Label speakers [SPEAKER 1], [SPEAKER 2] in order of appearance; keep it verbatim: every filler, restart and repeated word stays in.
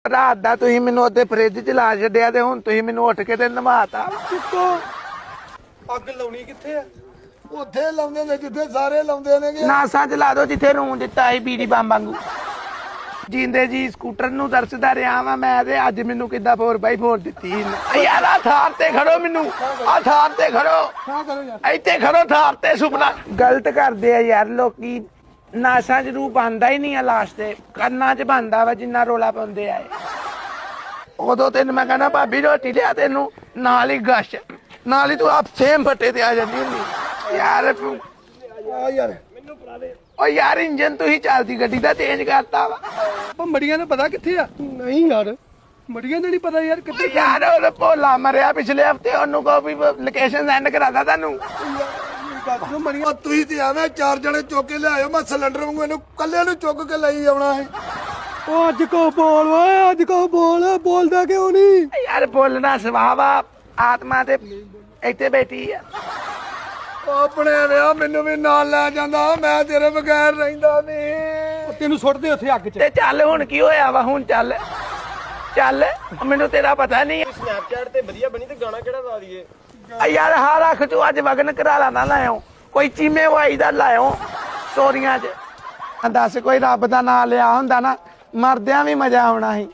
[SPEAKER 1] ਰਾਤ ਦਾ ਤੁਸੀਂ ਮੈਨੂੰ ਉੱਥੇ ਫ੍ਰਿਜ ਚ ਲਾ ਛੱਡਿਆ ਤੇ ਹੁਣ ਤੁਸੀਂ ਮੈਨੂੰ ਉੱਠ ਕੇ ਤੇ ਨਵਾਤਾ।
[SPEAKER 2] ਅੱਗ ਲਾਉਣੀ ਕਿੱਥੇ ਆ? ਉੱਥੇ ਲਾਉਂਦੇ ਨੇ ਜਿੱਥੇ ਸਾਰੇ ਲਾਉਂਦੇ ਨੇ।
[SPEAKER 1] ਨਾਸਾਂ ਚ ਲਾ ਦੋ ਜਿੱਥੇ ਰੂੰ ਦਿੱਤਾ ਸੀ ਬੀੜੀ ਬੰਬ ਵਾਂਗੂ। ਜਿੰਦੇ ਜੀ ਸਕੂਟਰ ਨੂੰ ਦਰਸਦਾ ਰਿਹਾ ਵਾਂ ਮੈਂ ਤੇ ਅੱਜ ਮੈਨੂੰ ਕਿੱਦਾਂ ਫੋਰ ਬਾਈ ਫੋਰ ਦਿੱਤੀ ਯਾਰ। ਆ ਥਾਰ ਤੇ ਖੜੋ, ਮੈਨੂੰ ਆ ਥਾਰ ਤੇ ਖੜੋ, ਇੱਥੇ ਖੜੋ ਥਾਰ ਤੇ। ਸੁਪਨਾ ਗਲਤ ਕਰਦੇ ਆ ਯਾਰ ਲੋਕੀ। ਨਾਸਾਂ ਚ ਰੂਹ ਬਣਦਾ ਹੀ ਨਹੀਂ ਆ, ਲਾਸਟ ਤੇ ਕੰਨਾਂ ਚ ਬਣਦਾ ਵਾ ਜਿੰਨਾ ਰੋਲਾ ਪਾਉਂਦੇ ਆ। ਉਦੋਂ ਤੈਨੂੰ ਮੈਂ ਕਹਿੰਦਾ ਭਾਬੀ ਰੋਟੀ ਲਿਆ, ਤੈਨੂੰ ਨਾਲ ਹੀ ਗਸ਼ ਨਾਲ ਹੀ ਤੂੰ ਆਪ ਸੇਮ ਫੱਟੇ ਤੇ ਆ ਜਾਂਦੀ ਹੁੰਦੀ ਯਾਰ।
[SPEAKER 2] ਆ ਯਾਰ ਮੈਨੂੰ ਪੜਾ ਦੇ।
[SPEAKER 1] ਓ ਯਾਰ ਇੰਜਨ ਤੁਸੀਂ ਚੱਲਦੀ ਗੱਡੀ ਦਾ ਚੇਂਜ ਕਰਤਾ ਵਾ।
[SPEAKER 2] ਉਹ ਮੜੀਆਂ ਨੂੰ ਪਤਾ ਕਿੱਥੇ ਆ? ਨਹੀਂ ਯਾਰ ਮੜੀਆਂ ਦਾ ਨਹੀਂ ਪਤਾ ਯਾਰ ਕਿੱਥੇ।
[SPEAKER 1] ਯਾਰ ਉਹ ਭੋਲਾ ਮਰਿਆ ਪਿਛਲੇ ਹਫਤੇ, ਉਹਨੂੰ ਕਹੋ ਵੀ ਲੋਕੇਸ਼ਨ ਸੈਂਡ ਕਰਾਦਾ ਤੁਹਾਨੂੰ।
[SPEAKER 2] ਮੜੀਆਂ ਤੁਸੀਂ ਤੇ ਆਵੇਂ ਚਾਰ ਜਣੇ ਚੁੱਕ ਕੇ ਲਿਆਇਓ, ਮੈਂ ਸਿਲੰਡਰ ਵਾਂਗੂ ਇਹਨੂੰ ਕੱਲੇ ਨੂੰ ਚੁੱਕ ਕੇ ਲਈ ਆਉਣਾ ਹੈ। ਉਹ ਅੱਜ ਕੋ ਬੋਲ ਓਏ, ਅੱਜ ਕੋ ਬੋਲ। ਬੋਲਦਾ ਕਿਉਂ ਨਹੀਂ
[SPEAKER 1] ਯਾਰ? ਬੋਲਣਾ ਸੁਭਾਅ ਆ, ਆਤਮਾ ਤੇ ਇੱਥੇ ਬੈਠੀ ਆ।
[SPEAKER 2] ਆਪਣੇ ਵਿਆਹ ਮੈਨੂੰ ਵੀ ਨਾਲ ਲੈ ਜਾਂਦਾ, ਮੈਂ ਤੇਰੇ ਬਗੈਰ ਰਹਿੰਦਾ ਨਹੀਂ। ਤੈਨੂੰ ਸੁੱਟਦੇ ਉੱਥੇ ਅੱਗ 'ਚ।
[SPEAKER 1] ਤੇ ਚੱਲ ਹੁਣ ਕੀ ਹੋਇਆ ਵਾ? ਹੁਣ ਚੱਲ ਚੱਲ, ਮੈਨੂੰ ਤੇਰਾ ਪਤਾ ਨਹੀਂ।
[SPEAKER 2] ਸਨੈਪਚੈਟ ਤੇ ਵਧੀਆ ਬਣੀ ਤੇ ਗਾਣਾ ਕਿਹੜਾ ਲਾ ਦਈਏ?
[SPEAKER 1] ਯਾਰ ਹਾਂ ਰੱਖ ਤੂੰ, ਅੱਜ ਵਗਨ ਕਰਾਲਾ ਨਾ ਲਾਇਓ, ਕੋਈ ਚੀਮੇ ਵਾਈ ਦਾ ਲਾਇਓ ਸਟੋਰੀਆਂ 'ਚ। ਦੱਸ ਕੋਈ ਰੱਬ ਦਾ ਨਾਂ ਲਿਆ ਹੁੰਦਾ ਨਾ, ਮਰਦਿਆਂ ਵੀ ਮਜ਼ਾ ਆਉਣਾ ਸੀ।